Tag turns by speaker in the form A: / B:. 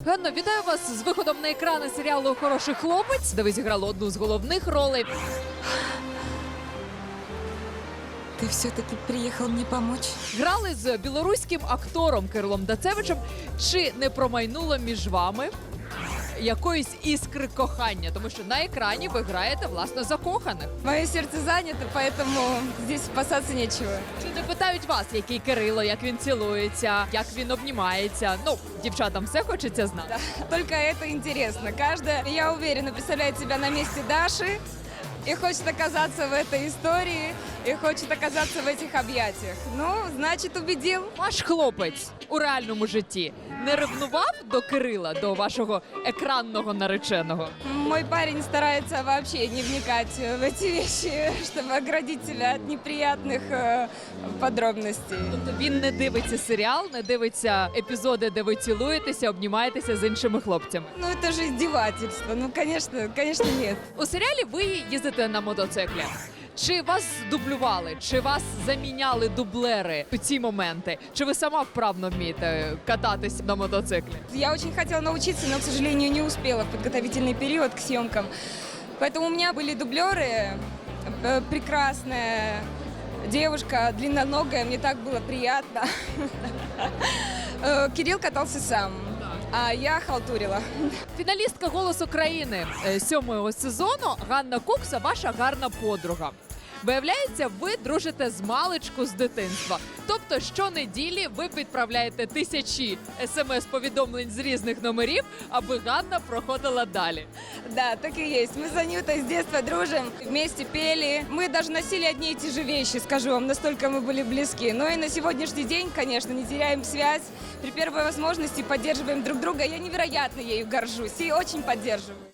A: Ганно, вітаю вас з виходом на екрани серіалу «Хороший хлопець», де ви зіграли одну з головних ролей.
B: Ты все-таки приехал мне помочь?
A: Грали з білоруським актором Кирилом Дацевичем. Чи не промайнуло між вами якоїсь іскри кохання? Тому що на екрані ви граєте, власне, закоханих.
B: Мое сердце занято, поэтому здесь спасаться нечего.
A: Чи не питають вас, який Кирило, як він цілується, як він обнімається? Ну, дівчатам все хочеться знати.
B: Только это интересно. Каждая, я уверена, представляет себя на месте Даши и хочет оказаться в этой истории, и хочет оказаться в этих объятиях. Ну, значит, убедил.
A: Ваш хлопець у реальному житті не ревнував до Кирила, до вашого екранного нареченого?
B: Мой парень старается вообще не вникать в эти вещи, чтобы оградить себя от неприятных подробностей.
A: Тобто він не дивиться серіал, не дивиться епізоди, де ви цілуєтеся, обнімаєтеся з іншими хлопцями.
B: Ну, это же издевательство. Ну, конечно, нет.
A: У серіалі ви їздите на мотоциклі. Чи вас дублювали, чи вас заміняли дублери у ці моменти? Чи ви сама вправно вмієте кататись на мотоциклі?
B: Я очень хотела научиться, но, к сожалению, не успела в подготовительный период к съемкам. Поэтому у меня были дублеры, прекрасная девушка, длинноногая, мне так было приятно. Кирилл катался сам, а я халтурила.
A: Фіналістка «Голосу країни» 7-го сезону Ганна Кукса, ваша гарна подруга. Виявляється, ви дружите з маличку з дитинства. Тобто щонеділі ви відправляєте тисячі смс-повідомлень з різних номерів, аби Ганна проходила далі.
B: Да, так и есть. Мы с Анютой с детства дружим, вместе пели. Мы даже носили одни и те же вещи, скажу вам, настолько мы были близки. Но и на сегодняшний день, конечно, не теряем связь. При первой возможности поддерживаем друг друга. Я невероятно ею горжусь и очень поддерживаю.